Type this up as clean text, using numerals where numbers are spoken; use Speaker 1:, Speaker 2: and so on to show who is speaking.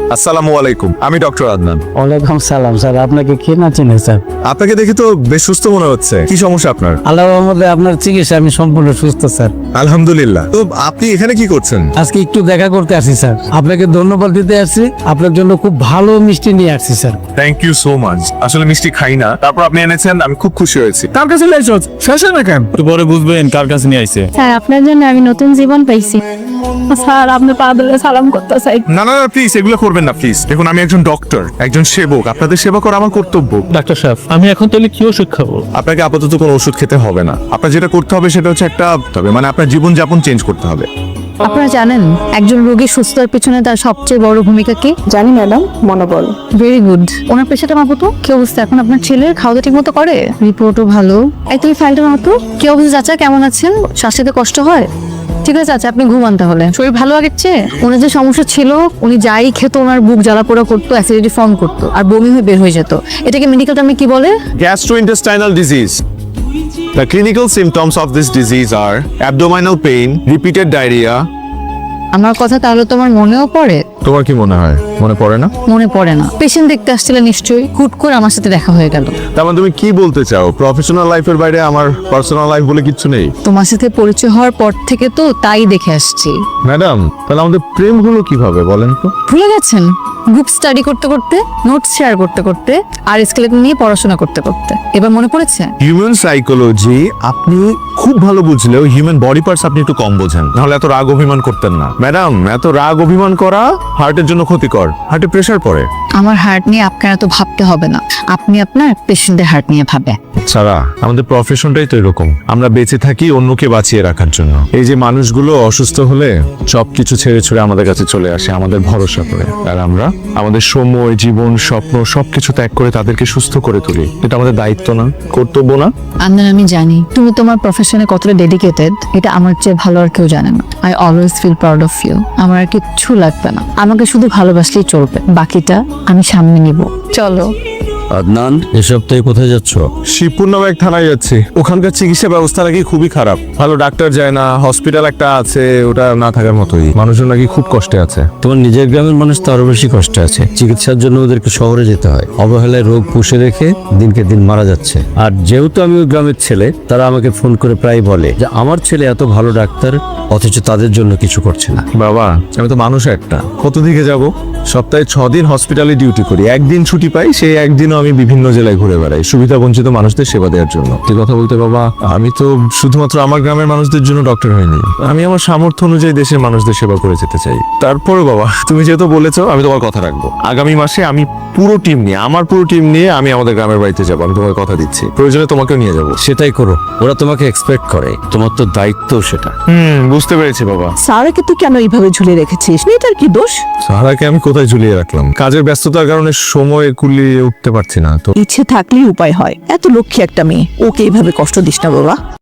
Speaker 1: আসসালামু আলাইকুম, আমি ডক্টর আদনান।
Speaker 2: ওয়ালাইকুম সালাম স্যার, আপনাকে কে না চিনে স্যার?
Speaker 1: আপনাকে দেখে তো বেশ সুস্থ মনে হচ্ছে। কি সমস্যা আপনার?
Speaker 2: আল্লাহর রহমতে আপনার চিকিৎসা আমি সম্পূর্ণ সুস্থ স্যার।
Speaker 1: আলহামদুলিল্লাহ। তো আপনি এখানে কি করছেন?
Speaker 2: আজকে একটু দেখা করতে আসি স্যার, আপনাকে ধন্যবাদ দিতে আসছি। আপনার জন্য খুব ভালো মিষ্টি নিয়ে আসছি sir.
Speaker 1: Thank you so much. আসলে মিষ্টি খাই না, তারপর আপনি এনেছেন, আমি খুব খুশি হয়েছি।
Speaker 2: কার কাছে লাইছো শেষ না কেন?
Speaker 3: একটু পরে বুঝবেন কার কাছে নিয়ে আইছে।
Speaker 4: স্যার আপনার জন্য আমি নতুন জীবন পাইছি। স্যার আপনি পা ধরে সালাম করতে চাই।
Speaker 1: না না প্লিজ, এগুলো করবেন না প্লিজ। দেখুন, আমি একজন ডক্টর, একজন সেবক। আপনাদের সেবা করা আমার কর্তব্য।
Speaker 3: ডাক্তার সাহেব, আমি এখন তাহলে কি ওষুধ খাবো?
Speaker 1: আপনাকে আপাতত কোনো ওষুধ খেতে হবে না। আপনার যেটা করতে হবে সেটা হচ্ছে মানে আপনার জীবনযাপন চেঞ্জ করতে হবে।
Speaker 4: আপনারা জানেন একজন রোগী সুস্থ হওয়ার পিছনে তার সবচেয়ে বড় ভূমিকা কি?
Speaker 5: জানি ম্যাডাম, মনোবল।
Speaker 4: Very good. ওনার পেশাটা মাপো তো। কি অবস্থা এখন আপনার ছেলের? খাওয়া দাওয়া ঠিক মতো করে? রিপোর্টও ভালো। এই তুমি ফাইলটা মাপো। কি অবস্থা চাচা, কেমন আছেন? শ্বাস নিতে কষ্ট হয়? ঠিক আছে চাচা, আপনি ঘুমান তাহলে। শরীর ভালো আগের চেয়ে? ওনার যে সমস্যা ছিল, উনি যাই খেত ওনার বুক জ্বালা পোড়া করতো, অ্যাসিডিটি ফর্ম করতো আর বমি হয়ে বের হয়ে যেত। এটাকে মেডিকেল টার্মে কি বলে?
Speaker 1: Gastrointestinal disease. The clinical symptoms of this disease are abdominal pain, repeated diarrhea.
Speaker 4: আমার কথা তাহলে তোমার মনেও পড়ে?
Speaker 1: তোমার কি মনে হয় মনে পড়ে না?
Speaker 4: মনে পড়ে না। পেশেন্ট দেখতে আসছিলে নিশ্চয়ই, হুট করে আমার সাথে দেখা হয়ে গেল।
Speaker 1: তার মানে তুমি কি বলতে চাও, প্রফেশনাল লাইফের বাইরে আমার পার্সোনাল লাইফ বলে কিচ্ছু নেই?
Speaker 4: তোমার সাথে পরিচয় হওয়ার পর থেকে তো তাই দেখে আসছি।
Speaker 1: ম্যাডাম, তাহলে আমাদের প্রেম হলো কিভাবে বলেন তো?
Speaker 4: ভুলে গেছেন? গ্রুপ স্টাডি করতে করতে, নোটস শেয়ার করতে করতে আর স্কেলেটন নিয়ে পড়াশোনা করতে করতে। এবার মনে পড়েছে?
Speaker 1: হিউম্যান সাইকোলজি আপনি খুব ভালো বুঝলেও হিউম্যান বডি পার্টস আপনি একটু কম বোঝেন। নাহলে এত রাগ অভিমান করতেন না। ম্যাডাম, এত রাগ অভিমান করা হার্টের জন্য ক্ষতিকর। হার্টে প্রেসার পড়ে।
Speaker 4: আমার হার্ট নিয়ে আপনার এত ভাবতে হবে না, আপনি আপনার পেশেন্টের হার্ট নিয়ে ভাবে।
Speaker 1: সারা, আমাদের প্রফেশনটাই তো এরকম। আমরা বেঁচে থাকি অন্যকে বাঁচিয়ে রাখার জন্য। এই যে মানুষগুলো অসুস্থ হলে সবকিছু ছেড়ে ছুড়ে আমাদের কাছে চলে আসে আমাদের ভরসা করে, আর আমরা আমাদের সময়, জীবন, স্বপ্ন সবকিছু ত্যাগ করে তাদেরকে সুস্থ করে তুলি। এটা আমাদের দায়িত্ব না, কর্তব্য না?
Speaker 4: আন্দান, আমি জানি তুমি তোমার প্রফেশনে কতটা ডেডিকেটেড, এটা আমার চেয়ে ভালো আর কেউ জানে না। I always feel proud of you. আমার আর কিচ্ছু লাগবে না, আমাকে শুধু ভালোবাসলেই চলবে, বাকিটা আমি সামনে নিব। চলো।
Speaker 2: আদনান, এ সপ্তাহে কোথায় যাচ্ছ?
Speaker 1: শিবপুর নামে এক থানায় যাচ্ছি। ওখানকার চিকিৎসা ব্যবস্থা নাকি খুবই খারাপ। ভালো ডাক্তার যায় না, হসপিটাল একটা আছে, ওটা না থাকার মতোই। মানুষজন নাকি খুব কষ্টে আছে।
Speaker 2: তোমার নিজের গ্রামের মানুষ তো আরো বেশি কষ্টে আছে। চিকিৎসার জন্য ওদেরকে শহরে যেতে হয়। অবহেলায় রোগ পুষে রেখে দিনকে দিন মারা যাচ্ছে। আর যেহেতু আমি ওই গ্রামের ছেলে, তারা আমাকে ফোন করে প্রায় বলে যে আমার ছেলে এত ভালো ডাক্তার, অথচ তাদের জন্য কিছু করছে না।
Speaker 1: বাবা, আমি তো মানুষ একটা, কত দিকে যাব? সপ্তাহে 6 দিন হসপিটালে ডিউটি করি, একদিন ছুটি পাই। সেই একদিনও আমি বিভিন্ন জেলায় ঘুরে বেড়াই সুবিধা বঞ্চিত মানুষদের সেবা দেওয়ার জন্য। এই কথা বলতে বাবা, আমি তো শুধুমাত্র আমার গ্রামের মানুষদের জন্য ডক্টর হইনি। আমি আমার সামর্থ্য অনুযায়ী দেশের মানুষদের সেবা করে যেতে চাই। তারপরে বাবা, তুমি যেহেতু বলেছো, আমি তোমার কথা রাখবো। আগামী মাসে আমি আমার পুরো টিম নিয়ে আমি আমাদের গ্রামের বাড়িতে যাবো। আমি তোমাকে কথা দিচ্ছি, প্রয়োজনে তোমাকেও নিয়ে যাবো।
Speaker 2: সেটাই করো, ওরা তোমাকে এক্সপেক্ট করে, তোমার তো দায়িত্ব সেটা।
Speaker 1: বুঝতে পেরেছি বাবা।
Speaker 5: সারাকে তুই কেন এইভাবে ঝুলিয়ে রেখেছিস? মেয়েটার কি দোষ?
Speaker 1: সারাকে আমি কোথায় ঝুলিয়ে রাখলাম? কাজের ব্যস্ততার কারণে সময় কুলিয়ে উঠতে পারছি না তো।
Speaker 5: ইচ্ছে থাকলেই উপায় হয়। এত লক্ষ্মী একটা মেয়ে, ওকে এইভাবে কষ্ট দিস না বাবা।